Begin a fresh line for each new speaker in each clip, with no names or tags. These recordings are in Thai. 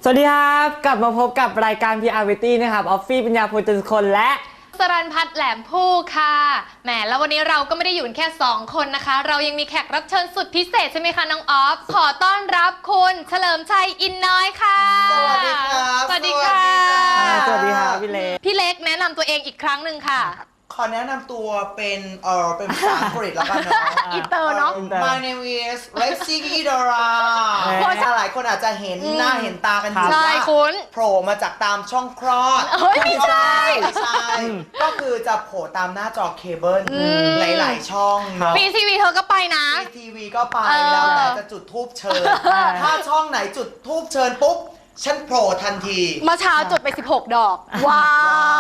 สวัสดีครับกลับมาพบกับรายการ PR Variety นะครับออฟฟี่ปัญญาโพจนคนและ
สรัญพัฒน์แหลมผู้ค่ะแหมแล้ววันนี้เราก็ไม่ได้อยู่แค่2คนนะคะเรายังมีแขกรับเชิญสุดพิเศษใช่ไหมคะน้องออฟขอต้อนรับคุณเฉลิมชัยอินน้อยค่ะ
สวัสดีครับ
สวัสดีค่ะ
สวัสดีครับพี่เล็ก
พี่เล็กแนะนำตัวเองอีกครั้งหนึ่งค่ะ
ขอแนะนำตัวเป็นภาษาอังกฤษแล้วกันเนาะ
อินเตอร์เนาะ
My name is Lexi Idora หลายคนอาจจะเห็นหน้าเห็นตากันอยู่
ใช่
ว่า
คุณ
โผล่มาจากตามช่องคลอด
เฮ้ยไม่ใช่
ไม่ใช่ก็คือจะโผล่ตามหน้าจอเคเบิลหลายๆช่องเนาะ
ปีทีวีเธอก็ไปนะ
ทีวีก็ไปแล้วแต่จะจุดทูบเชิญถ้าช่องไหนจุดทูบเชิญปุ๊บฉันโผล่ทันที
เมื่อเช้าจุดไป16 ดอกว้าย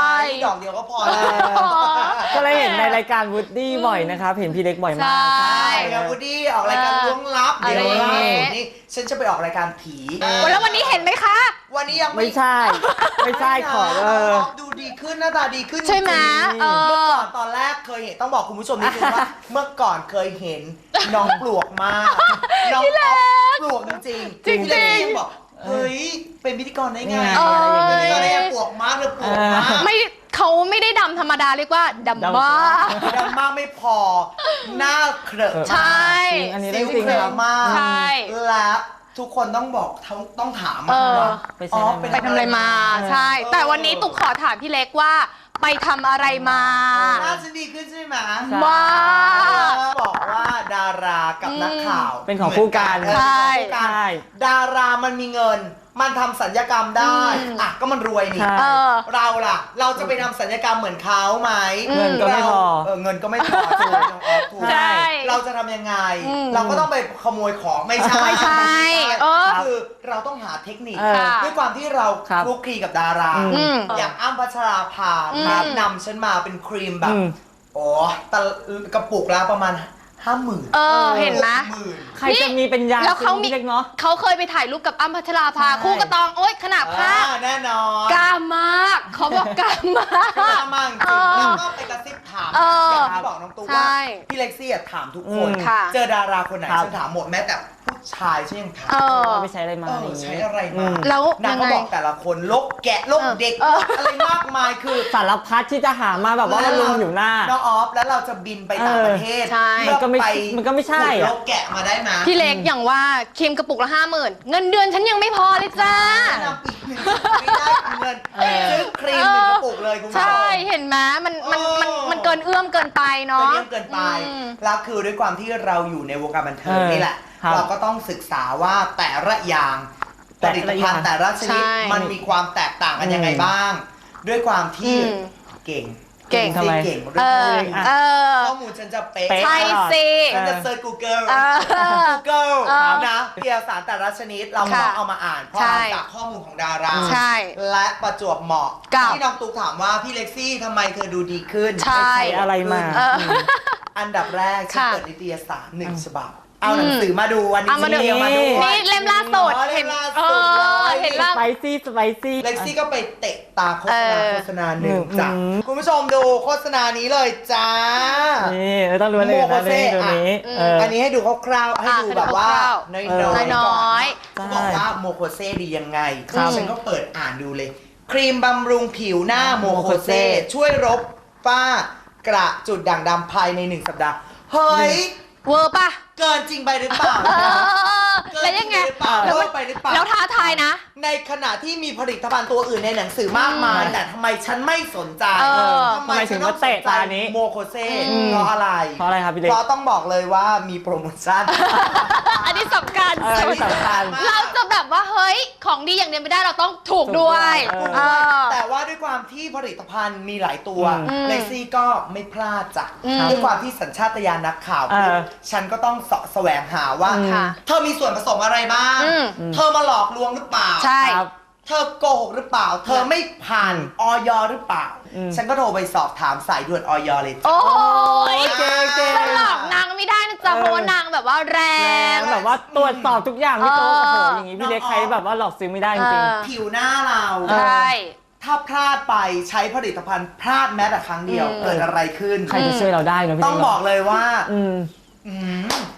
ดอกเดียวก็พอแล้ว
ก็เลยเห็นในรายการวูดดี้บ่อยนะครับเห็นพี่เล็กบ่อยมาก
ใช่
แล้ววูดดี้ออกรายการล้วงลับ
อะไร
เดี๋ยว
อย่างงี้
นี่ฉันจะไปออกรายการผี
แล้ววันนี้เห็นไหมคะ
วันนี้ยัง
ไม่ใช่ไม่ใช่ขอ
ดูดีขึ้นหน้าตาดีขึ้น
ใช่ไหม
จริงๆเมื่อก่อนตอนแรกเคยเห็นต้องบอกคุณผู้ชมนิดนึงว่า เมื่อก่อนเคยเห็นน้องปลวกมากน้องออฟปลวกจริงๆ
จริงๆ
พี่เล็กยังบอกเฮ้ยเป็นพิธีกรได้ไง
เออ
เป็นพิธีกรได้ไงปลวกมากเลยปลวกมาก
ไม่เขาไม่ได้ดำธรรมดาเรียกว่าดำมาก
ดำมากไม่พอหน้าเครอะ
ใช่
จริงอันนี้
ซิ
เรื่อง
ว
จริง
เคร
ครั
อะ
บ
มาก
ใช่
และทุกคนต้องบอกต้องถาม
เออ
ว่า
ไปใช้อะไรมา
ไปทำอะไรมาใช่ แต่วันนี้ตุ๊กขอถามพี่เล็กว่าไปทำอะไรมา
หน้าฉันดีขึ้นใช่ไหม
มาก
บอกว่าดารากับนักข่าว
เป็นของคู่กัน
เหมือ
ใช่
เป็นของคู่กัน
ใช่
ดารามันมีเงิน มันทำสัญญกรรมได้อ่ะก็มันรวยนี่
ใช่
เออ
เราล่ะ เราจะไปทำสัญญกรรมเหมือนเขาไหม
เงินก็ไม่พอ
เงินก็ไม่พอถูกน้องออฟถูก
ใช่
เราจะทำยังไง
อืม
เราก็ต้องไปขโมยของไม่ใช่
ไม่ใช่เออ
คือเราต้องหาเทคนิค
เออ
ด้วยความที่เรา
ครับ
คลุกคลีกับดารา
อืม
อย่างอ้ำพัชราภา
อืม
แนะนำฉันมาเป็นครีมแบบ
อืม
โอ้ตะกระปุกละประมาณ 50,000
เออเห็นไหม
60,000
ใครจะมีเป็นยา
แล้วเขามี
พี่เล็กเนาะ
เขาเคยไปถ่ายรูปกับอ้ำพัชราภา
ใช่
คู่กระตองโอ๊ยขนาดภาพ
แน่นอน
กล้ามากเขาบอกกล้ามาก
กล้ามากจริง
เออ
แล้วก็ไปกระซิบถาม
เออ
อย่างที่บอกน้องตูว่า
ใช่
พี่เล็กซี่อะถามทุกคน
ค่ะ
เจอดาราคนไหน
ครับ
ฉันถามหมดแม้แต่ผู้ชายฉันยังถาม
เออ
ว่าไปใช้อะไรมา
เอ
อะไร
อ
อย่าง
ใช้
งี้
อะไร
อื
มา
แล้ว
นางก็
ยังไง
บอกแต่ละคนลกแกะลกเด็ก
เออ
อะไรมากมายคือ
สารพัดที่จะหามาแบบว่ามันลุมอยู่หน้า
น้องออฟแล้วเราจะบินไปต่างประเทศ
ใช่
เพื่อ
มันก็ไม่ใช่
ขุด
อะ
ลกแกะมาได้ไหม
พี่เล็กอย่างว่าครีมกระปุกละ50,000เงินเดือนฉันยังไม่พอเลยจ้า
แนะนำอีกหนึ่งไม่ได้เงินซื้อครีมหนึ่งกระปุกเลยคุณผู้ช
ใช่
ม
เห็นไหมมัน
เออ
มันเกินเอื้อมเกินไป
ก็
เนาะ
เยี่ยมเกินไป
อืม
แล้วคือด้วยความที่เราอยู่ในวงการบันเทิง
เออ
นี่แหละ
ครับ
เราก็ต้องศึกษาว่าแต่ละอย่างผ
แต่
ลิต
ละอ
ภั
ย่า
ณ
ง
ฑ์แต่ละชนิด
ใช่
มันมีความแตกต่างกันยังไงบ้าง ด้วยความที่
อืม
เก่ง
เก่ง
ทำไม
เก่ง
เอ
เรื่อง
อ
ข้อมูล
เออ
ข้อมูลฉันจะเป๊ะ
เป๊ะ
ใช่สิ
ฉันจะเซิร์ช Google
เออ
Google
เออ
นะเอกสารแต่ละชนิดเรา
ค่ะ
เอามาอ่านเพราะ
ใช่
อ่านจากข้อมูลของดารา
ใช่
และประจวบเหมาะ
กับ
ที่น้องตุ๊กถามว่าพี่เล็กซี่ทำไมเธอดูดีขึ้น
ใช่
ใช้อะไรมา
เออ
อันดับแรกฉัน
ค่ะ
เปิดนิตยสารหนึ่งฉบับ เอาหนังสือมาดูวันนี้
เอามาดู
ฉันเรียงมาดู
นี่เล่มล่าสุด
เห็นล่า
เอ
สุด
อ
เลย
เห็นล่า
สไปซี่สไปซี่
เล็กซี่ก็ไปเตะตาโฆษณา
เออ
โฆษณาหนึ่งจ้ะ
อืม
คุณผู้ชมดูโฆษณานี้เลยจ้า
นี่ไม่ต้องรู้อะไรเลยนะเรื่องตัวนี้
อืม
เออ
อันนี้ให้ดูคร่าวๆให้ดูแบบว่า
ให้ดูคร่าว
น้อย
เออ
ๆ
น้อย
ก่อนเขาบอกว่าโมโคเซดียังไง
ครับ
ฉันก็เปิดอ่านดูเลย ครีมบำรุงผิวหน้าโมโคเซ
โมโคเซ
ช่วยลบฝ้ากระจุดด่างดำภายใน1 สัปดาห์ เฮ้ย
เวอร์ป่ะ
เกินจริงไปหรือเปล่า
เออแล้วยังไง
เกินจริหรือเปล่า
แล้ว
เว
มั
อน ร์ไปหรือเปล่า
แล้วท้าทายนะ
ในขณะที่มีผลิตภัณฑ์ตัวอื่นในหนังสือมากมาย แต่ทำไมฉันไม่สนใจ
เออ
ทำไมถึงมาเตะตานี้
โมโคเซ
อืม
เพราะอะไร
เพราะอะไรครับพี่เล็ก
เพราะต้องบอกเลยว่ามีโปรโมชั่น
อันนี้สำคัญ
เออ
สุด
ไม่สำคัญ
เราจะแบบว่าเฮ้ยของดีอย่างเดียวไม่ได้เราต้องถูกด้วย
ถูกด้วย
เออ
แต่ว่าด้วยความที่ผลิตภัณฑ์มีหลายตัว
อืม
เลซี่ก็ไม่พลาดจ้ะ
อืม
ด้วยความที่สัญชาตญาณนักข่าว
เออ
ฉันก็ต้องเสาะแสวงหาว่า
ค่ะ
เธอมีส่วนผสมอะไรบ้าง
อืม
เธอมาหลอกลวงหรือเปล่า
ใช่
ครับ
เธอโกหกหรือเปล่า เธอไม่ผ่านออยหรือเปล่า
อืม
ฉันก็โทรไปสอบถามสายด่วนออยเลยจ้ะ
โอ้ย
เก่ง
จะหลอกนางไม่ได้นะจ๊ะ
เออ
เพราะว่านางแบบว่าแรง
แบบว่าตรวจสอบทุกอย่างพี่โต๊ะ
เออ
โอ้โหอย่างนี้พี่เล็กใครแบบว่าหลอกซื้อไม่ได้จริง
ผิวหน้าเรา
ใช่
ถ้าพลาดไปใช้ผลิตภัณฑ์พลาดแม้แต่ครั้งเดียว
อืม
เกิดอะไรขึ้น
ๆใครจะช่วยเราได้เนอะพี่
ต้องบอกเลยว่า
อืม
อืม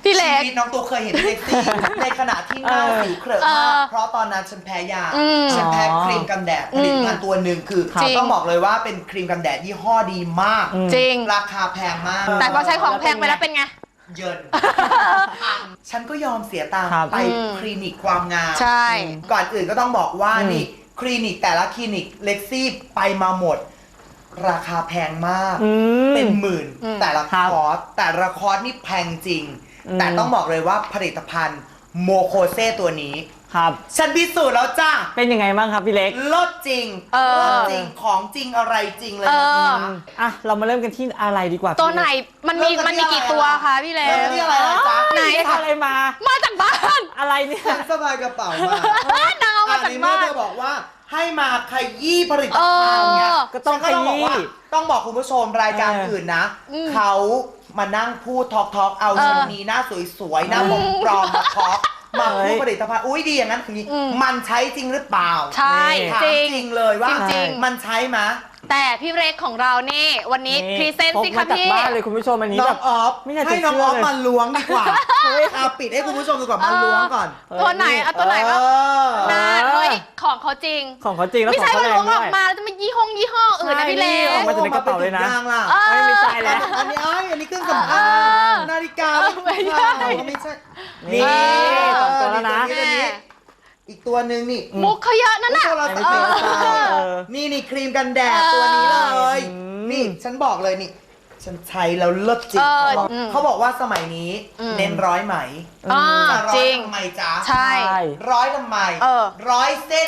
พี่เล็ก
ชีวิตน้องตัวเคยเห็นเซ็กซี่ ในขณะที่หน้าสิวเครอะมากเพราะตอนนั้นฉันแพ้ยา ฉันแพ้ครีมกันแดดผลิตภัณฑ์ตัวหนึ่งคือ
จริง
ต้องบอกเลยว่าเป็นครีมกันแดดยี่ห้อดีมาก
จริง
ราคาแพงมาก
แต่พอใช้ของแพงไปแล้วเป็นไง
เยิน ฉันก็ยอมเสียตังค์
ครับ
ไปคลินิกความงาม
ใช่
ก่อนอื่นก็ต้องบอกว่านี่คลินิกแต่ละคลินิกเล็กซี่ไปมาหมด ราคาแพงมาก เป็นหมื่นแต่ละคอร์สแต่ละคอร์สนี่แพงจริง แต่ต้องบอกเลยว่าผลิตภัณฑ์โมโคเซตัวนี้
ครับ
ฉันพิสูจน์แล้วจ้า
เป็นยังไงบ้างครับพี่เล็ก
ลดจริงลดจริงของจริงอะไรจริงเลยนะจ๊ะ
อ่ะเรามาเริ่มกันที่อะไรดีกว่า
ตัวไหน
พี่
มันมีกี่ตัวคะพี่เล็
เริ่ม
ก
ที่อะไรนะจ๊ะ
ไหน
เล็กอะไรมา
มาจากบ้าน
อะไรเนี่ย
ฉันสบายกระเป๋ามาน
างเอามาจาก
เมื่
บ้า
อน เธอบอกว่าให้มาขยี้ผลิตภัณฑ์เนี่ย
ก็ต้อง
ฉันบอกว่า
ขยี้
ต้องบอกคุณผู้ชมรายการอื่นนะ เขามานั่งพูดทอกเอาชนนีหน้าสวยๆหน้าหมองปลอมมาทอกมาพูดผลิตภัณฑ์อุ้ยดีอย่างนั้นอย่างนี้มันใช้จริงหรือเปล่า
ใช่
ถาม
จริง
จริงเลยว่า
จริง
มันใช้ไหม
แต่พี่เล็กของเรานี่วันนี้พรีเซนต์สิ
พก
คะ
มาจาก
พี่
บ้านเลยคุณผู้ชมอันนี้
น้
แบ
อง
บ
ออฟ
ไม่อยากจะ
ให้น้อง
เชื่
อ
อ
อฟ
เลย
มาล้วงดีกว่าเอาปิดให้คุณผู้ชมดีกว่ามาล้วงก่อน
ตัวไหนเอาตัวไหนบ้าง น่าเฮ้ยของเขาจริง
ของเขาจริงแล้ว
ไม่
ของ
ใช่
เขา
ว่า
แรง
ล้วงอ
ด้
อ
วย
กมาแล้วจะมายี่ห้ออื่นนะพี่เล็
ใช่
ก
ออกมาจากในกระเป๋าเลยนะ
ยางล่ะ
ไม่ใช่แล้ว
อันนี้อันนี้เครื่องสำอาง นาฬิกา
ไม่ใช่
ไม่ใช่
นี่สองตัวแล้วนะ
ตัวนี้อีกตัวหนึ่งนี่
มุกเขาเยอะนั่นน่ะ
ตัวเราจะเป็นนี่ครีมกันแดดตัวนี้เลย นี่ฉันบอกเลยนี่ ฉันใช้แล้วเลิศจริงเขาบอกว่าสมัยนี้เน้นร้อยไหม จะร้
จ
อ
ริ
ย
ง
ทำไมจ๊ะ
ใช่
ร้อยทำไม 100 เส้น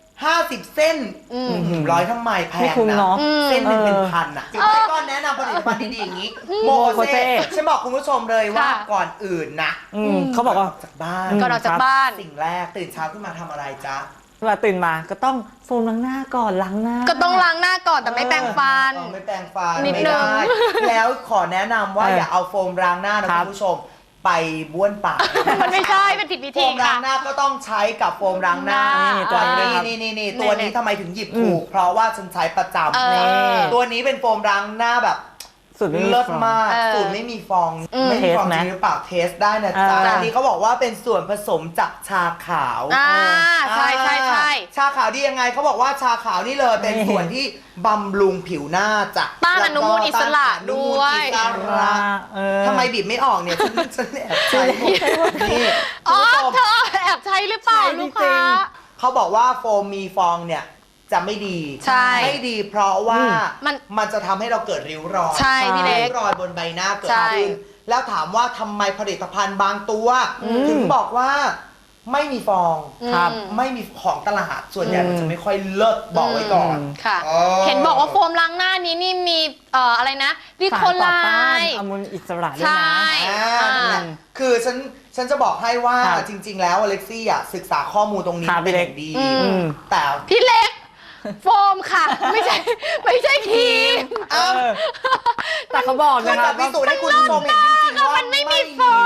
50 เส้นร้อยทำไมแพ
ไม่
ง
คุ้ม
นะ
เนาะ
เส้นหนึ่งเป็นพันอ่ะแล้วก็แนะนำผลิตภัณฑ์ดีๆอย่างนี้โมโคเซฉันบอกคุณผู้ชมเลยว่าก่อนอื่นนะ
เขาบอกว่า
จากบ้าน
ก่อนออกจากบ้าน
สิ่งแรกตื่นเช้าขึ้นมาทำอะไรจ๊ะ
เวลาตื่นมาก็ต้องโฟมล้างหน้าก่อนล้างหน้า
ก็ต้องล้างหน้าก่อนแต่ไม่แปรงฟัน
ไม่แปรงฟัน
นิด
ไม่
นึ
ได้
ง
แล้วขอแนะนำว่าอย่าเอาโฟมล้างหน้านะคุณผู้ชมไปบ้วนปาก
มันไม่ใช่เป็นผิดวิ
โฟ
ธี
มล้า
ค่ะ
งหน้าก็ต้องใช้กับโฟมล้างหน้า
ตัวนี้
นี่ตัวนี้ทำไมถึงหยิบถูก เพราะว่าฉันใช้ประจ
เออ
ำตัวนี้เป็นโฟมล้างหน้าแบบ
สุดไม่มี
เลิศ
ฟอง
มาก
เออ
สูตรไม่มีฟอง ไม่
เท
มี
ส
ฟอง
ไหม
จริงหรือเปล่าเทสได้นะจ๊ะ
อ่า
อันนี้เขาบอกว่าเป็นส่วนผสมจากชาขาว
ใช่ใช่ใช่
ชาขาวดียังไงเขาบอกว่าชาขาวนี่เลยเป็นส่วนที่บำรุงผิวหน้าจ้ะ
ต้านอนุมูลอิสระ
ต้านอนุมูล
ด้วย
อิสระ ทำไมบีบไม่ออกเนี่ยฉันแอบใช้หมดนี่
อ๋อ
คุณผู้ชม
เธอแอบใช้หรือเปล่า
ใช่
ลูก
จริ
ค้า
ง
เขาบอกว่าโฟมมีฟองเนี่ยจะไม่ดี
ใช่
ไม่ดีเพราะว่า
มัน
มันจะทำให้เราเกิดริ้วรอย
ใช่พี่เล็ก
ริ้วรอยบนใบหน้าเกิด
ใช่
ขึ้นแล้วถามว่าทำไมผลิตภัณฑ์บางตัวถึงบอกว่าไม่มีฟอง
ครับ
ไม่มีของตลาดส่วนใหญ่มันจะไม่ค่อยเลิศบอกไว้ก่อน
ค่ะ
อ๋อ
เห็นบอกว่าโฟมล้างหน้านี้นี่มีอะไรนะวิโคไล
สารต่อต้าน
น์
อนุมูลอิสระด้วย
ใช่
นะ
นั่นแหละคือฉันจะบอกให้ว่า
ครับ
จริง ๆ แล้วอเล็กซี่อ่ะศึกษาข้อมูลตรงนี้
ครับ
เป็น
พี่
อ
เล็ก
ย่างดี แต่
พี่เล็ก โฟมค่ะ ไม่ใช่ครีม
เอ้า
แต่เขาบอก
คือ
นะค
จะ
รับ
พิสูจน์ให้คุณผู้ชมเห็นจริงๆว่า
มันไม่มีฟอง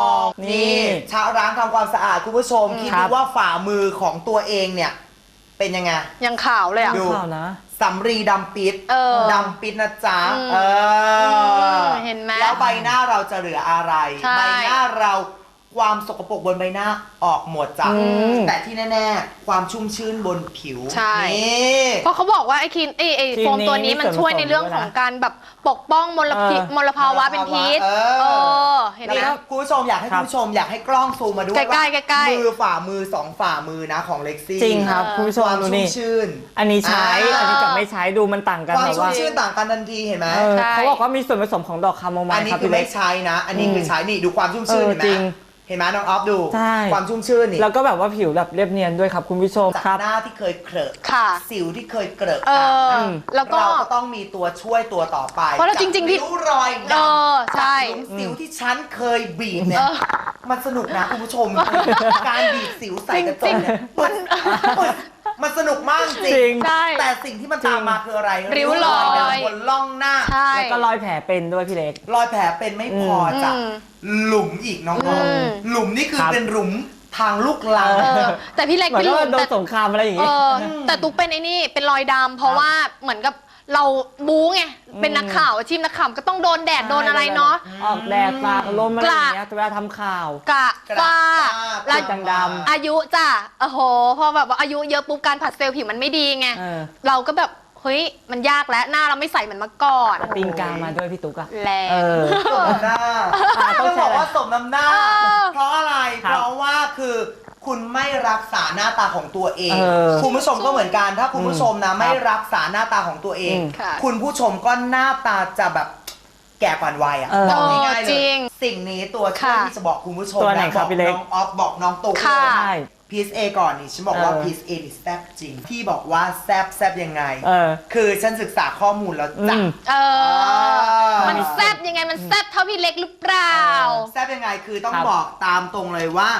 นี่ชาวร้านทำความสะอาดคุณผู้ชมคิด
ครั
ดู
บ
ว่าฝ่ามือของตัวเองเนี่ย เป็นยังไง
ยังขาวเลยอ่ะ
ดู
ข่าวนะ
สำรีดำปิด ดำปิดนะจ๊ะ
เห็นไหม
แล้วใบหน้าเราจะเหลืออะไร
ใช่
ใบหน้าเราความสกปรกบนใบหน้าออกหมดจ้ะแต่ที่แน่ๆ ความชุ่มชื้นบนผิว
ใช่
นี่
เพราะเขาบอกว่าไอ้ครีมไอ้โฟมตัวนี้มันช่วยในเรื่องของการแบบปกป้องมลภาวะเป็นพิษเห็นไหม
แล้วคุณผู้ชมอยากให้คุณผู้ชมอยากให้กล้องซูมมาด้วย
ใกล้ๆ
ว่า
ใกล้ๆ
มือฝ่ามือสองฝ่ามือนะของเล็กซี่
จริงครับคุณผู้ช
ค
ม
วาม
ดู
ชุ่ม
นี่
ชื่น
อันนี้ใช้อันนี้กับไม่ใช้ดูมันต่างกัน
ความ
แบบ
ชุ่ม
ว่า
ชื่นต่างกันทันทีเห็นไหม
ใช่เขาบอกว่ามีส่วนผสมของดอกคาโมไม
อัน
ล์
นี้
ครับ
คือ
พี่เล็
ไม่
ก
ใช้นะ อันนี้คือใช้นี่ดูความชุ่มชื่นเห็นไหม
จริง
เห็นไหมน้องออฟดู
ใช่
ความชุ่มชื่นนี่
แล้วก็แบบว่าผิวแบบเรียบเนียนด้วยครับคุณผู้ชม
จาก
ครับ
หน้าที่เคยเครอะ
ค่ะ
สิวที่เคยเกรอะ
แล้วก็
เราก็ต้องมีตัวช่วยตัวต่อไป
เพราะเราจริงๆพี่
ริ้วรอยดำ
ใช่
จากหลุมสิวที่ฉันเคยบีบเนี่ย มันสนุกนะคุณผู้ชม การบีบสิวใส่กระจกเนี่ยมันสนุกมากจ
จริ
ริ
ง
ง
ใช่
แต่สิ่งที่มันตามมาคืออะไร
ริ้วรอย
ดำบนล่องหน้า
ใช่
แล้วก็รอยแผลเป็นด้วยพี่เล็ก
รอยแผลเป็นไม่พอจ้ะหลุมอีกน้องๆหลุมนี่คือ
ครับ
เป็นหลุมทางลูกลัง
แต่พี่เล็ก
เหมือน
พี่
ว่า
ลุง
โดน
แต่
สงครามอะไรอย่าง
เอ
งี้
แต่ตุ๊กเป็นไอ้นี่เป็นรอยดำเพราะว่าเหมือนกับเราบู๊ไงเป็นนักข่าวอาชีพนักข่าวก็ต้องโดนแดดโดนอะไรเนาะ
ออกแดดตากลมอะไรอย่างเงี้ยเวลาทำข่าว
กระฝ้า
แล้ว
ดำ
อายุจ้ะโอ้โหพอแบบว่าอายุเยอะปุ๊บการผัดเซลล์ผิวมันไม่ดีไง
เออ
เราก็แบบเฮ้ยมันยากแล้วหน้าเราไม่ใสเหมือนเมื่อก่อน
ตีนกามาด้วยพี่ตุ๊กอะ
แรง
เออ
สมน้ำหน้า
ต้
ต้
อ
อง ง
ใช้
บ
อะไร
อกว่าสมน้ำหน้า เพราะอะไร
ครับ
เพราะว่าคือคุณไม่รักษาหน้าตาของตัวเอง
เออ
คุณผู้ชมก็เหมือนกัน ถ้าคุณผู้ชมนะไม่รักษาหน้าตาของตัวเอง
ค่ะ
คุณผู้ชมก็หน้าตาจะแบบแก่ก่อนวัยอ่ะ
เออ
บอกง่ายๆเล
จริ
ย
ง
สิ่งนี้ตัวช่วย
ค่ะ
ที่จะบอกคุณผู้ชม
ตัวไหน
นะครับ
พี่เล็ก
น้องออฟบอกน้องตุ๊ก
ค่ะ
เลย
ใช่
พีซเอก่อนนี่ฉันบอกว่า
เออ
พีซเอนี่แซบจริงที่บอกว่าแซบยังไง
เออ
คือฉันศึกษาข้อมูลแล้วจ้ะ
มันแซบยังไงมันแซบเท่าพี่เล็กหรือเปล่า
แซบยังไงคือต้อง
ครับ
บอกตามตรงเลยว่า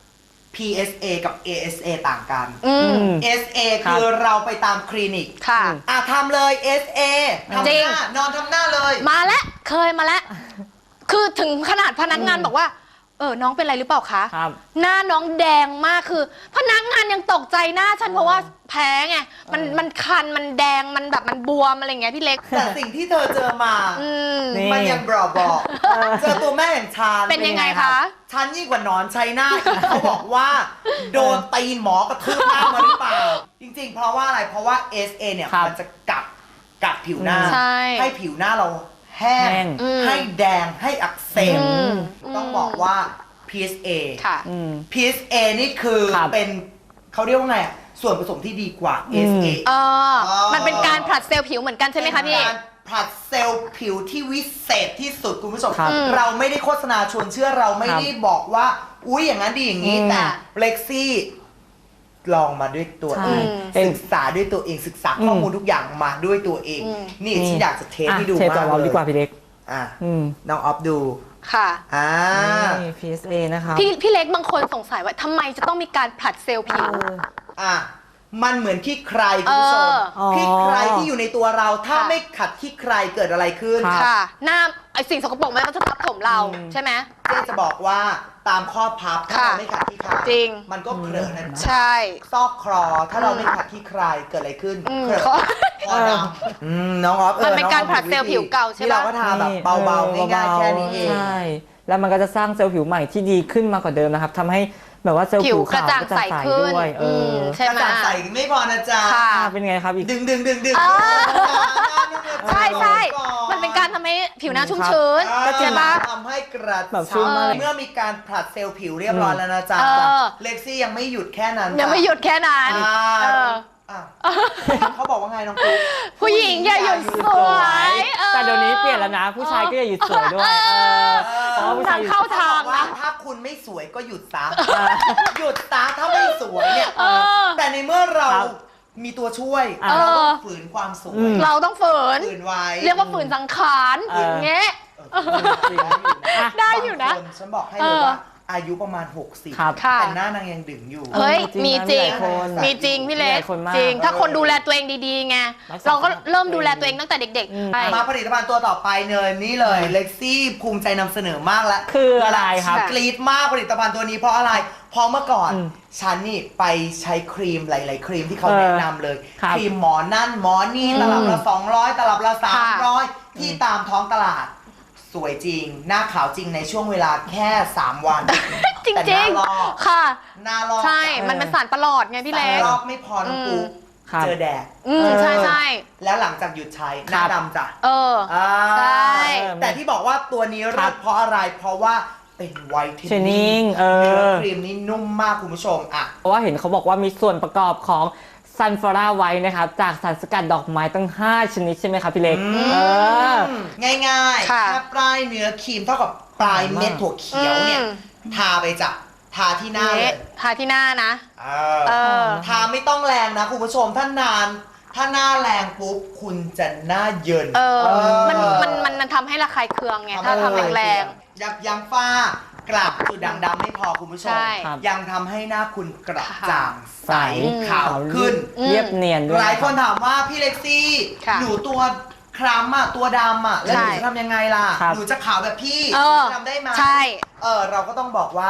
PSA กับ ASA ต่างกัน
อืม
SA
ครับ
คือเราไปตามคลินิก
ค่ะ
ทำเลย SA ทำ
จริ
ห
ง
น้านอนทำหน้าเลย
มาแล้วเคยมาแล้ว คือถึงขนาดพนักงานบอกว่า น้องเป็นอะไรหรือเปล่าคะ
ครับ
หน้าน้องแดงมากคือ พนักงานยังตกใจหน้าฉันเพราะว่าแพ้ไงมันคันมันแดงมันแบบมันบวมอะไรเงี้ยพี่เล็ก
แต่สิ่งที่เธอเจอมา
อืม
นี่
มันยังบอกเจอตัวแม่อย่างฉัน
เป็นยังไงคะ
ฉันยิ่งกว่าหนอนชัยนาทอีกเขาบอกว่า โดนตีนหมอกระทืบหน้ามาหรือเปล่า จริงๆ เพราะว่าอะไรเพราะว่า SA เนี่ย
ครับ
มันจะกัดผิวหน้า
ใช่
ให้ผิวหน้าเราแห้
แห้
ง
ง
ให้แดงให้อักเสบ
อืม
ต้องบอกว่า PSA
ค่ะ
อืม
PSA นี่คือ
ครับ
เป็นเขาเรียกว่าไงอะส่วนผสมที่ดีกว่า SA
มันเป็นการผลัดเซลล์ผิวเหมือนกันใช่ไหมคะพี่
เป็นการผลัดเซลล์ผิวที่วิเศษที่สุดคุณผู้ชม
ครับ
เราไม่ได้โฆษณาชวนเชื่อเราไม่ได้บอกว่าอุ๊ยอย่างนั้นดีอย่างนี้
อืม
แต่เล็กซี่ลองมาด้วยตัวเอง
ใช่
ศึกษาด้วยตัวเองศึกษาข้อมูลทุกอย่างมาด้วยตัวเอง
อืม
นี่ฉันอยากจะเทสให้ดู
เทส
มา
ต่อก เรา
เล
ดี
ย
กว่าพี่เล็ก
อ่ะ
อืม
น้องออฟดู
ค่ะ
นี่ PSA นะครับ
พี่เล็กบางคนสงสัยว่าทำไมจะต้องมีการผลัดเซลล์ผิว
อ่ะมันเหมือนขี้ใครคุณผู้ชม
อ๋อ
ขี้ใครที่อยู่ในตัวเราถ้า
ค่ะ
ไม่ขัดขี้ใครเกิดอะไรขึ้น
ครับ
ค่ะ หน้าไอสิ่งสกปรกมันก็จะทับถมเรา
อืม
ใช่ไหม
เจ๊จะบอกว่าตามข้อพับถ้า
ค่ะ
เราไม่ขัดขี้ใคร
จริง
มันก็เผลอนะ
ใช่
ซอกครอถ้าเราไม่ขัดขี้ใครเกิดอะไรขึ้น
อืม
เผลอ
ขอ
คอดำน้องออฟ
มันเป็นการ
องออฟ
ผลัดเซลล์ผิวเก่าใช่ปะ
ที่เราก็ทาแบบเบาๆง่ายๆแค่นี้เอง
ใช่ แล้วมันก็จะสร้างเซลล์ผิวใหม่ที่ดีขึ้นมากว่าเดิมนะครับทำให้แบบว่าเซลล์
ผิ
ผิ
ว
ว
กระ
ขาว
จ่างใสขึ้น
ด้วย
อืมใช่
กระ
ไหม
จ่างใสไม่พอนะจ๊ะ
ค่ะ
เป็นไงครับอีก
ดึง
อ่า
ใช่
ใช่มันเป็นการทำให้ผิวหน้าชุ่มชื้น
ก็จะ
ใช่ปะ
ทำให้กระ
แบบชุ่มมากเลย
เมื่อมีการผลัดเซลล์ผิวเรียบร้อยแล้วนะจ๊ะ
เออ
เล็กซี่ยังไม่หยุดแค่นั้น
ยังไม่หยุดแค่นั้น
อ่า
เออ
อ่ะเขาบอกว่าไงน้องปุ๊ก
ผู้หญิงอย่าหยุดสวยเออ
แต่เดี๋ยวนี้เปลี่ยนแล้วนะ ผู้ชายก็อย่าหยุดสวยด้วยเพราะว่าผู้ชายหยุด
เข้าทาง
ว่า
นะ
ถ้าคุณไม่สวยก็หยุดซะหยุดซะถ้าไม่สวยเนี่ย
เออ
แต่ในเมื่อเรา
ครับ
มีตัวช่วย
เออ
เราต้องฝืนความสวย
เราต้องฝืน
ฝืนไว้
เรียกว่าฝืนสังขาร
เออ
อย่างเงี้ย
จริง
ได้อยู่นะ
บางคฉันบอกให้เลยว่าอายุประมาณ 60
ครับ
ค่ะ
แต่หน้านางยังดึงอยู่
เฮ้ย มีจริง
หลายคน
มีจริงพี่เล็ก
หลายคนมาก
จริง ถ้าคนดูแลตัวเองดีๆไง
รักษา
เราก็เริ่มดูแลตัวเองตั้งแต่เด็ก
อืม
ๆใช่
มาผลิตภัณฑ์ตัวต่อไปเลยนี่เลยเล็กซี่ภูมิใจนำเสนอมากแล้ว
คืออะไรครับ
กรี๊ดมากผลิตภัณฑ์ตัวนี้เพราะอะไร เพราะเมื่อก่อน
อืม
ฉันนี่ไปใช้ครีมหลาย ๆ ครีมที่เขา
เออ
แนะนำเลย
ครับ
ครีมหมอนั่นหมอนี่
อืม
ตลับละ200ตลับละ
ค่ะ
300ที่ตามท้องตลาด สวยจริง หน้าขาวจริงในช่วงเวลาแค่ 3 วัน
จริง
แต่
จริง
หน้าลอก
ค่ะ
หน้าลอก
ใช่ มันเป็นสารประหลอดไงพี่เล็ก
ลอกไม่พอน้องปุ๊ก
ครับ
เจอแดด
ใช่ใช่
แล้วหลังจากหยุดใช้หน้าดำจ้ะ
เออ ใช่
แต่ที่บอกว่าตัวนี้
ครั
เลิ
บ
ศเพราะอะไร เพราะว่าเป็นไวท์เทน
Shining เออ
เนื้อครีมนี่นุ่มมากคุณผู้ชมอ่ะ
เพราะว่าเห็นเขาบอกว่ามีส่วนประกอบของซันฟลาไว้นะครับ จากสารสกัดดอกไม้ตั้ง 5 ชนิดใช่ไหมครับพี่เล็ก เออ
ง่ายๆ
ค่ะ
แค่ปลายเนื้อครีมเท่ากับปลายเม็ดถั่วเขียวเนี่ย
อืม
ทาไปจ้ะทาที่หน้าเลย
ทาที่หน้านะ
เอ
เอ
อ
อ
ทาไม่ต้องแรงนะคุณผู้ชมถ้าหน้าแรงปุ๊บคุณจะหน้าเยิน
เออ
เออ
มันทำให้ระคายเคืองไง ถ้าทำแรง
ยับยั้งฝ้ากระจุดด่างดำไม่พอคุณผู้ชม
ใช่
ครับ
ยังทำให้หน้าคุณกระจ่างใส
อืม
ขาวขึ้น
อืม
เรียบเนียนด้วย
หลายคนถามว่าพี่เล็กซี่
ค่ะ
หนูตัวคล้ำอ่ะตัวดำอ่ะแล้วหนู
ใช่
จะทำยังไงล่ะ
ครับ
หนูจะขาวแบบพี่
เออ
ทำได้ไหม
ใช่
เราก็ต้องบอกว่า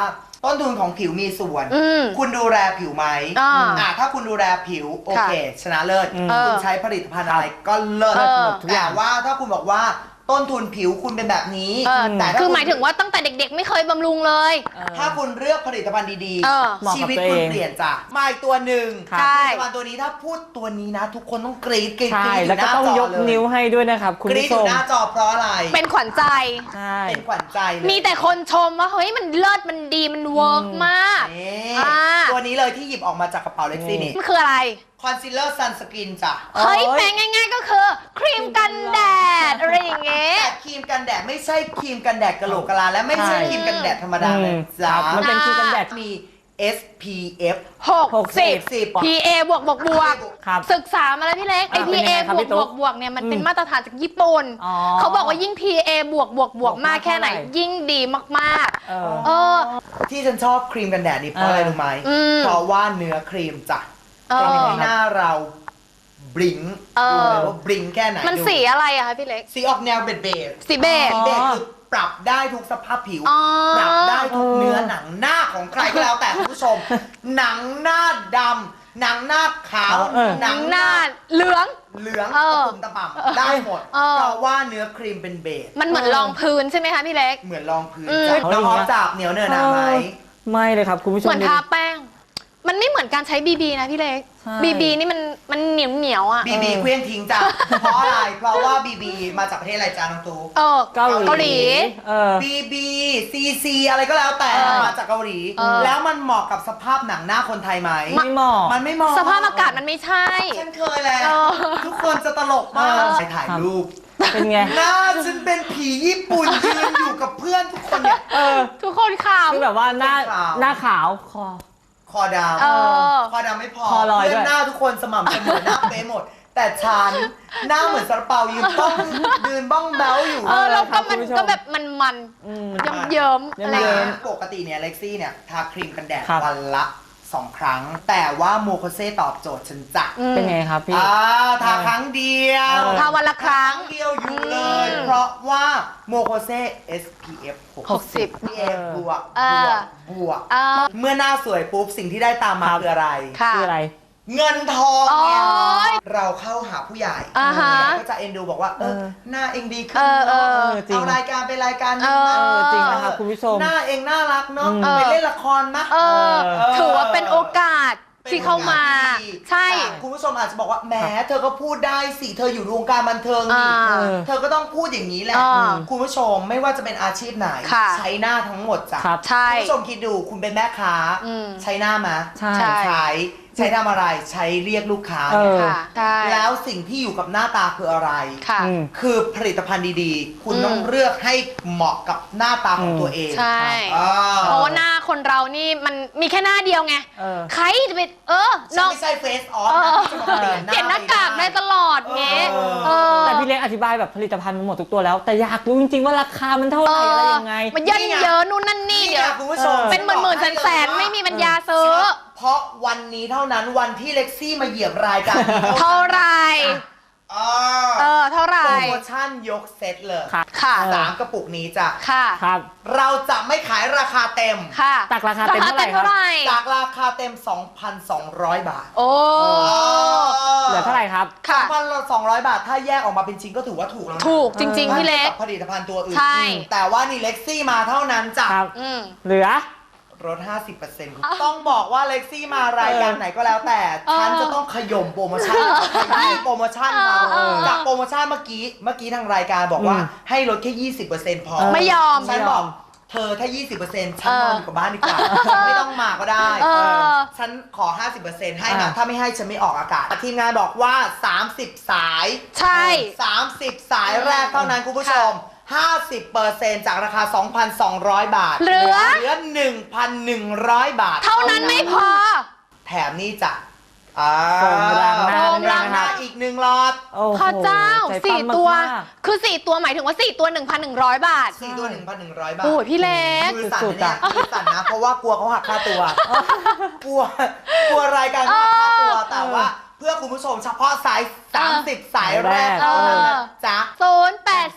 ต้นทุนของผิวมีส่วน คุณดูแลผิวไหมถ้าคุณดูแลผิวโอเค ชนะเลิศคุณใช้ผลิตภัณฑ์อะไรก็เลิศหมดทุกอย่างว่าถ้าคุณบอกว่าต้นทุนผิวคุณเป็นแบบนี้แต่
คือหมายถึงว่าตั้งแต่เด็กๆไม่เคยบำรุงเลย
ถ้าคุณเลือกผลิตภัณฑ์ดีๆชีวิตคุณเปลี่ยนจ้ะมาอีกตัวหนึ่งผลิตภัณฑ์ตัวนี้ถ้าพูดตัวนี้นะทุกคนต้องกรี๊ดกรี๊ดอยู่หน้าจอเลย
แล้วก็ต้องยกนิ้วให้ด้วยนะครับคุณผู้ชม
กรี๊ดอยู่หน้าจอเพราะอะไร
เป็นขวัญใจ
เป็นขวัญใจเลย
มีแต่คนชมว่าเฮ้ยมันเลิศมันดีมันเวิร์กมาก
ตัวนี้เลยที่หยิบออกมาจากกระเป๋าเล็กซี่นี่
มันคืออะไร
คอนซีลเลอร์ซันสกินจ้ะ
เฮ้ยแปลงง่ายๆก็คือครีมกันแดดอะไรอย่างเงี้ย
แต่ครีมกันแดดไม่ใช่ครีมกันแดดกะโหลกกะลาและไม่ใช่ครีมกันแดดธรรมดาเลยจ้ะ
มันเป็นครีมกันแดด
มี SPF
60 PA บวกศึกษามาแล้วพี่เล็กไอ PA บวกเนี่ยมันเป็นมาตรฐานจากญี่ปุ่นเขาบอกว่ายิ่ง PA บวกมากแค่ไหนยิ่งดีมากๆ
ที่ฉันชอบครีมกันแดดนี่เพราะอะไรรู้ไหมเพราะว่าเนื้อครีมจ้ะทำให้หน้าเราบลิงดูเลยว่าบลิงแค่ไหน
มันสีอะไรอะคะพี่เล็ก
สีออกแนวเบจ
สีเบจ
คือปรับได้ทุกสภาพผิวปรับได้ทุกเนื้อหนังหน้าของใครก็แล้วแต่คุณผู้ชมหนังหน้าดำหนังหน้าขาว
หนังหน้าเหลือง
ตะปุ่มตะป่ำได้หมดเพราะว่าเนื้อครีมเป็นเบส
มันเหมือนรองพื้นใช่ไหมคะพี่เล็ก
เหมือนรองพื้นน้องออฟจับเหนียวเนื้อหนาไหม
ไม่เลยครับคุณผู้ชม
เหมือนทาแป้งมันไม่เหมือนการใช้บีนะพี่เล็กบีนี่มันเหนียวอ่ะ
บีเคลื่อนทิ้งจ้ะเพราะอะไรเพราะว่าบีมาจากประเทศอะไรจ้าน้องตู
เกาหลี
บีซีอะไรก็แล้วแต่มาจากเกาหลีแล้วมันเหมาะกับสภาพหนังหน้าคนไทยไหม
ไม่เหมาะ
มันไม่เหมาะ
สภาพอากาศมันไม่ใช่
ฉันเคยแล้วทุกคนจะตลกมากไปถ่ายรูป
เป็นไง
หน้าฉันเป็นผีญี่ปุ่นยืนอยู่กับเพื่อนทุกคนเนี่ย
ทุกคนขาว
คือแบบว่าหน้าขาว
คอดำคอดำไม่พอเพื่อนหน้าทุกคนสม่ำเสมอหน้าเป๊ะหมดแต่ฉันหน้าเหมือนซาลาเปายืนบ้องแบ้วอยู่
แล้วก็มันก็แบบมันเยิ้มอะไร
ปกติเนี่ยเล็กซี่เนี่ยทาครีมกันแดดวันละ2 ครั้งแต่ว่าโมโคเซ่ตอบโจทย์ฉันจ้ะ
เป็นไงครับพี่
ทาครั้งเดียว
ทาวันละครั้ง
เดียวอยู่เลยเพราะว่าโมโคเซ่ SPF 60 PA บวกเมื่อหน้าสวยปุ๊บสิ่งที่ได้ตามมาคืออะไร
คืออะไร
เงินทองเนี่ยเราเข้าหาผู้ใหญ่ก็จะเอ็นดูบอกว่าหน้าเองดีขึ้นเอารายการไปรายการนึง
จริงนะครับคุณผู้ชม
หน้าเองน่ารักเนาะไปเล่นละครมะ
ถือว่าเป็นโอกาสที่เข้ามาใช่
คุณผู้ชมอาจจะบอกว่าแหมเธอก็พูดได้สิเธออยู่วงการบันเทิงนี่เธอก็ต้องพูดอย่างนี้แหละคุณผู้ชมไม่ว่าจะเป็นอาชีพไหนใช้หน้าทั้งหมดจ้ะคุณผู้ชมคิดดูคุณเป็นแม่ค้าใช้หน้ามาใช้ทำอะไรใช้เรียกลูกค้าแล้วสิ่งที่อยู่กับหน้าตาคืออะไรคือผลิตภัณฑ์ดีๆคุณต้องเลือกให้เหมาะกับหน้าตาของตัวเอง
ใช่เพราะว่าหน้าคนเรานี่มันมีแค่หน้าเดียวไงใครจะเป็น
น้องไม่ใช่เฟซออฟ
เปลี่ยนหน้ากากได้ตลอดเงี้ย
แต่พี่เล็กอธิบายแบบผลิตภัณฑ์มันหมดทุกตัวแล้วแต่อยากรู้จริงๆว่าราคามันเท่าไหร่อะไรยังไง
มันเยอะนู่นนั่นนี่เดี๋ยวเป็นหมื่นแสนไม่มีปัญญาซื้อ
เพราะวันนี้เท่านั้นวันที่เล็กซี่มาเหยียบรายการ
เท่าไรเท่าไรโป
รโมชั่นยกเซตเลยค่ะ3 กระปุกนี้จ้ะ
ค่ะ
ครับ
เราจะไม่ขายราคาเต็ม
ค่ะ
จากราคาเต็มเท่าไหร่ครับ
จากราคาเต็ม 2,200 บาท
โอ้
เหลือเท่าไหร่ครับ
ค่ะ
2,200 บาทถ้าแยกออกมาเป็นชิ้นก็ถือว่าถูกแล้ว
ถูกจริงๆพี่เล็ก
ผลิตภัณฑ์ตัวอื่น
ใช่
แต่ว่านี่เล็กซี่มาเท่านั้นจ้ะ
เหลือ
ลด 50% ต้องบอกว่าเล็กซี่มารายการไหนก็แล้วแต่ฉันจะต้องขย่มโปรโมชั่นโปรโมชั่นจากโปรโมชั่นเมื่อกี้ทางรายการบอกว่าให้ลดแค่ 20% พอ
ไม่ยอม
ฉันบอกเธอถ้า 20% ฉันนอนอยู่กับบ้านดีกว่าไม่ต้องมาก็ได้ฉันขอ 50% ให้นะถ้าไม่ให้ฉันไม่ออกอากาศทีมงานบอกว่า30 สาย
ใช่
30 สายแรกเท่านั้นคุณผู้ชม50% จากราคา 2,200 บาท
เหลือ
1,100 บาท
เท่านั้นไม่พอ
แถมนี่จ้ะ
โฟมล้างหน้า
อีก1 หลอด
พระเจ้า4 ตัวคือ4 ตัวหมายถึงว่า4 ตัว 1,100 บาท
4 ตัว 1,100 บาท
โอ้ยพี่เล็ก
มือสั่นเนี่ยมือสั่นนะเพราะว่ากลัวเขาหักค่าตัวกลัวรายการเขาหักค่าตัวแต่ว่าเพื่อคุณผู้ชมเฉพาะสาย30 สายแรกเท่านั้นจ้ะ
080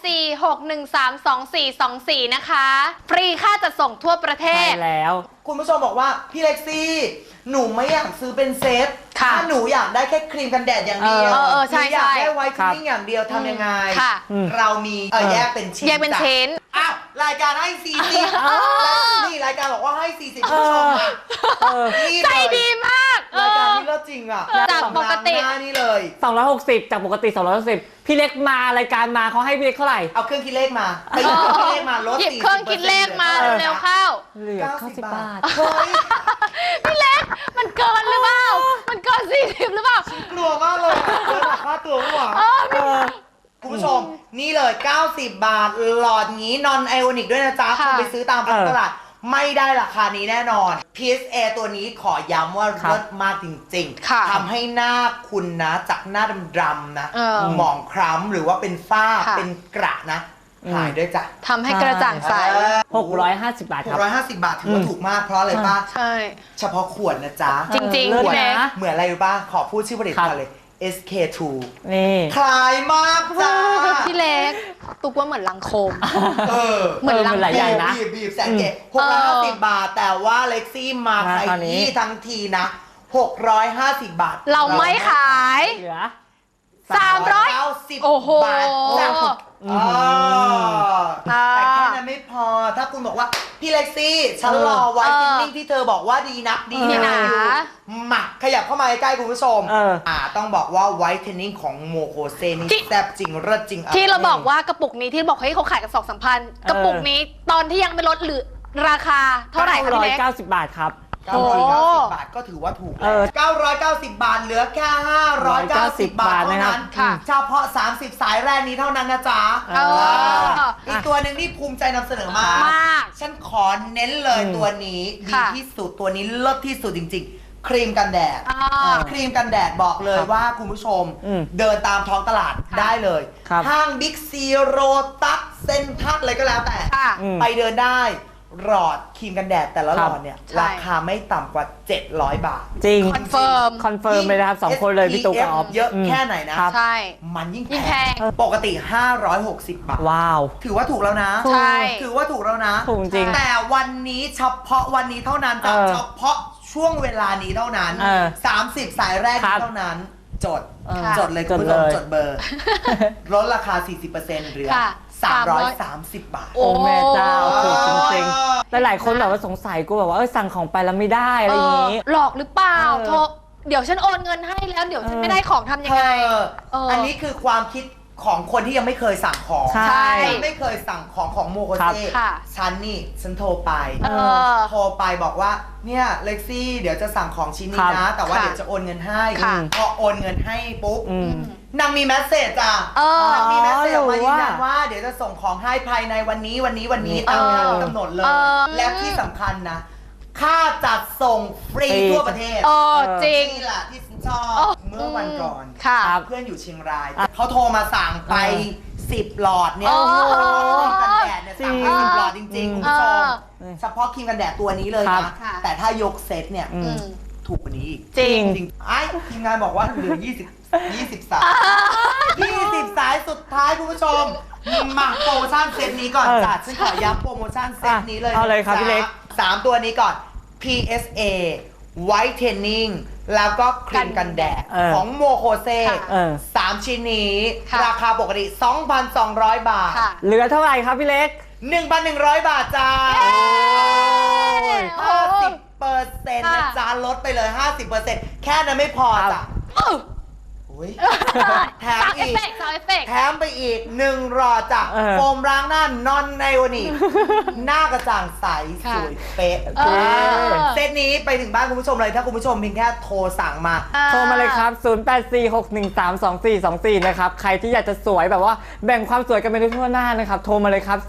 0846132424 นะคะ ฟรีค่าจัดส่งทั่วประเท
ใช่
ศ
แล้ว
คุณผู้ชมบอกว่าพี่เล็กซี่หนูไม่อยากซื้อเป็นเซต
ค่ะ
ถ้าหนูอยากได้แค่ครีมกันแดดอย่างเดียว
ใช่
หนูอยากได้
ใช่
ไวท์เทนนิ่งอย่างเดียวทำยังไง
ค่ะ
เรามีแยกเป็นชิ้น
แยกเป็น
จ้ะ
ชิ้น
อ้าวรายการให้40นี่รายการบอกว่าให้40คุณผู้ชมอ่ะนี่
ใจ
เลย
ดีมาก
รายการนี้เลิศจริงอ่ะ
จากปกติ
หน้านี่เลย
260 จากปกติ 260 พี่เล็กมารายการมาเขาให้พี่เล็กเท่าไหร่
เอาเครื่องคิดเลขมาไปหยิบเครื่องคิดเลขมาลด
หยิบเครื่องคิดเลขมาเร็วๆเข้า
เหลือ
90
90
บา
บา
ท
ท
เฮ้ย
พี่เล็กมันเกินหรือเปล่า มันเกิน40หรือเปล่า
กลัวมากเลยอะเกินค่าตัวมั้งวะ คุณผู้ชมนี่เลย 90 บาท หลอดงี้นอนไอโอนิกด้วยนะจ๊ะ
ค่ะ
คุณไปซื้อตามตลาดไม่ได้ราคานี้แน่นอน PSA ตัวนี้ขอย้ำว่า
ครับ
เลิศมากจริง
ค่ะ
ๆทำให้หน้าคุณนะจากหน้าดำๆนะ
เ
หมองคล้ำหรือว่าเป็นฝ้า
ค่ะ
เป็นกระนะหายด้วยจ้ะ
ทำให้กระจ่างใส
650 บาทครับ
650 บาทถือว่าถูกมากเพราะอะไรป้า
ใช่
เฉพาะขวดนะจ๊ะ
จริงๆ
เลิศ
พี่เล็ก
นะ
เหมือนอะไรรู้ป่ะขอพูดชื่อผลิตภัณฑ์เลย SK2
นี่
คลายมากจ้า
พี่เล็กตุกว่าเหมือนลังโคม
เออ
เหมือนลัง
หลายอย่างนะ
บีบแสนเก๋650 บาท แต่ว่าเล็กซี่มา
มา
ใคร
คราวนี้
ที่ทั้งทีนะ 650 บาท
เราไม่ขาย
เหลือ
300 โอ้โห
บาทจ้ะ
อืม
แต่แค่นั้นไม่พอ ถ้าคุณบอกว่า พี่เล็กซี่ ฉันรอไว้เทนนิ่งที่เธอบอกว่าดีนักดี
นี่นะ
มาขยับเข้ามาใกล้ๆคุณผู้ชม ต้องบอกว่าไวท์เทนนิ่งของโมโคเซนี่แซ่บจริงเลิศจริง
ที่เราบอกว่ากระปุกนี้ที่บอกให้เขาขายกัน2-3 พันกระปุกนี้ตอนที่ยังไม่ลดหรือราคาเท่าไหร่คะพี่เล็ก
990 บาทครับ
990 บาทก็ถือว่าถูก990 บาทเหลือแค่ 590 บาทเท่านั้น
ค่ะ
เฉพาะ 30 สายแรกนี้เท่านั้นนะจ๊ะ อีกตัวหนึ่งที่ภูมิใจนำเสนอมาก
มาก
ฉันขอเน้นเลยตัวนี้ดี
ค่ะ
ที่สุดตัวนี้เลิศที่สุดจริงๆ ครีมกันแดด ครีมกันแดดบอกเลยว่าคุณผู้ชม เดินตามท้องตลาดได้เลย ห้างบิ๊กซีโรตัสเซนทัสอะไรก็แล้วแต่
ค่ะ
ไปเดินได้หลอดครีมกันแดดแต่ละหลอดเนี่ย
ใช่
ราคาไม่ต่ำกว่า 700 บาท
จริง
คอนเฟิร์ม
คอนเฟิร์มเลยนะครับ2คนเลยพี่ตุ๊กกับออฟ
เยอะแค่ไหนนะ
ใช่
มันยิ่ง
ยิ่งแพง
ปกติ 560 บาท
ว้าว
ถือว่าถูกแล้วนะ
ใช่
ถือว่าถูกแล้วนะ
ถูกจริง
แต่วันนี้เฉพาะวันนี้เท่านั้นจ้ะเฉพาะช่วงเวลานี้เท่านั้น 30 สายแรกนี้เท่านั้น จด จดเลยคุณผู้ชมจดเบอร์ ลดราคา 40%เหลือ 330 บาท
โอ้แม่เจ้าถูกจริงๆหลายๆคนแบบว่าสงสัยกูแบบว่าสั่งของไปแล้วไม่ได้อะไรอย่างนี้
หลอกหรือเปล่าโทรเดี๋ยวฉันโอนเงินให้แล้วเดี๋ยวฉันไม่ได้ของทำยังไง
อันนี้คือความคิดของคนที่ยังไม่เคยสั่งของ
ใช่
ยังไม่เคยสั่งของโมโคเซ่
ค่ะ
ฉันโทรไป โทรไปบอกว่าเนี่ยเล็กซี่เดี๋ยวจะสั่งของชิ้นนี้นะ แต่ว่าเดี๋ยวจะโอนเงินให้
ค่ะ
พอโอนเงินให้ปุ๊บนางมีแมสเซจจ้ะ นางมีแมสเซจออกมายืนยันว่าเดี๋ยวจะส่งของให้ภายในวันนี้ตามเวลาที่กำหนดเลย และที่สำคัญนะ ค่าจัดส่งฟรีทั่วประเทศ
จริง
นี่แหละที่ฉันชอบเมื่อวันก่อน
ค่ะ
เพื่อนอยู่เชียงราย เขาโทรมาสั่งไป 10 หลอดเนี่ย
โอ้โห
ครีมกันแดดเนี่ยสั่งไป10 หลอดจริงๆคุณผู้ชมเฉพาะครีมกันแดดตัวนี้เลย
ครั
นะ
บ
แต่ถ้ายกเซตเนี่ยถูกกว่านี้อีก
จริง
จริงไอ้ทีมงานบอกว่าเหลือ20 สาย20 สายสุดท้ายคุณผู้ชมมาโปรโมชั่นเซตนี้ก่อนจ้ะฉันขอย้ำโปรโมชั่นเซตนี้เลย
เอาเลยครับพี่เล็ก
3 ตัวนี้ก่อน PSA Whitening แล้วก็ครีมกันแดดของโมโคเซ่3 ชิ้นนี้ ราคาปกติ 2,200 บาท
เหลือเท่าไหร่ครับพี่เล็ก
1,100 บาทจ้า 50%นะจ๊ะลดไปเลย 50%แค่นั้นไม่พอจ้ะแถมอีก แถมไปอีก1หลอดจ้ะโฟมล้างหน้านอนไนโอนิกหน้ากระจ่างใสสวยเป๊ะเซตนี้ไปถึงบ้านคุณผู้ชมเลยถ้าคุณผู้ชมเพียงแค่โทรสั่งมา
โทรมาเลยครับ 0846132424 นะครับ ใครที่อยากจะสวยแบบว่าแบ่งความสวยกันไปได้ทั่วหน้านะครับ โทรมาเลยครับ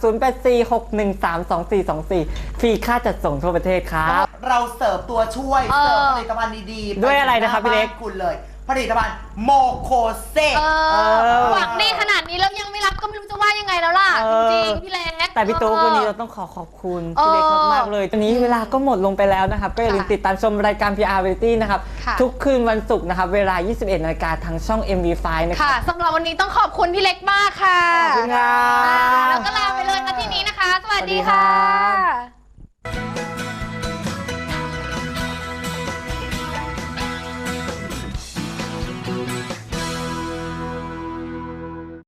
0846132424 ฟรีค่าจัดส่งทั่วประเทศครับ
เราเสิร์ฟตัวช่วยเสิร์ฟผลิตภัณฑ์ดีๆ
ด้วยอะไรนะครับพี่เล็ก
คุณเลยผลิตภัณฑ์โมโคเซ่
หวังดีขนาดนี้แล้วยังไม่รับก็ไม่รู้จะว่ายังไงแล้วล่ะ จริงๆพี่เล็ก
แต่พี่ตุ๊กวันนี้เราต้องขอบคุณพี่เล็กมากๆเลยตอนนี้เวลาก็หมดลงไปแล้วนะครับก็อย่าลืมติดตามชมรายการ PR Variety นะครับทุกคืนวันศุกร์นะครับเวลา 21 นาฬิกาทางช่อง MV5 นะครับ
ค่ะสำหรับวันนี้ต้องขอบคุณพี่เล็กมากค่ะ
ขอบคุณค่ะ
แล้วก็ลาไปเลยนะที่นี้นะคะสวัสดีค่ะ